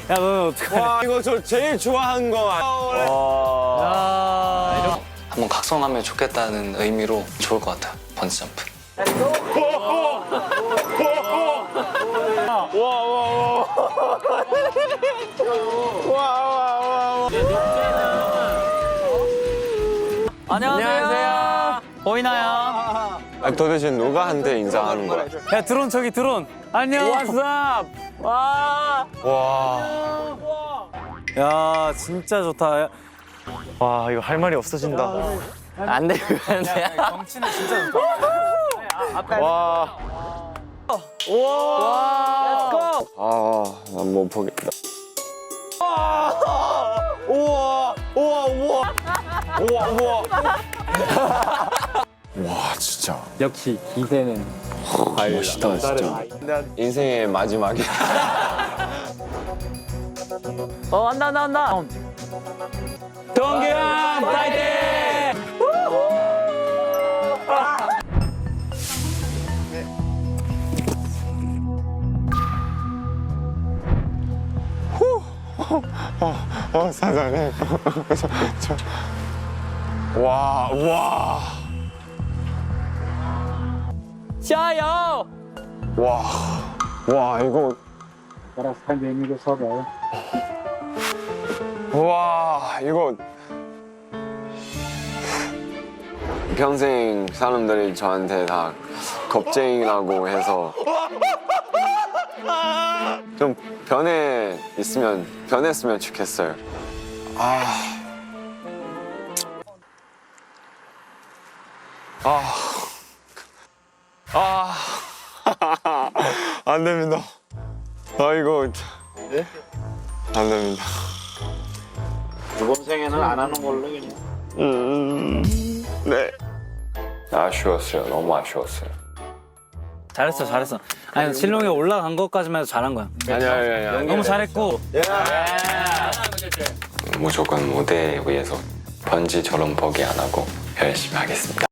야, 너는 어떡하냐. 와, 이거 저 제일 좋아하는 거. 야, 한번 각성하면 좋겠다는 의미로 좋을 것 같아요. 번지점프. 안녕하세요. 보이나요? 아, 도대체 누가 한테 인사하는 거야? 야, 드론 저기 드론. 안녕. 왓츠업. 와. 와. 야, 진짜 좋다. 야, 와, 이거 할 말이 없어진다. 안 돼, 안 돼. 경치는 진짜 좋다. 와. 와. 렛츠고. 아, 난 못 보겠다. 우와, 우와, 우와, 우와, 우와. 와, 진짜 역시 기세는 멋있다, 진짜. 인생의 마지막이야. 한다, 한다, 한다. 동규 형, 파이팅! 사장님. 와, 와, 샤요! 와, 와, 이거. 와, 이거. 평생 사람들이 저한테 다 겁쟁이라고 해서 좀 변했으면 좋겠어요. 안 됩니다. 이거 안 됩니다. 이번 생에는 안 하는 걸로 그냥. 네. 아쉬웠어요. 너무 아쉬웠어요. 잘했어, 잘했어. 아니, 실롱이 올라간 것까지만 해도 잘한 거야. 아니야. 너무 잘했고. 무조건 무대에 위해서 번지처럼 포기 안 하고 열심히 하겠습니다.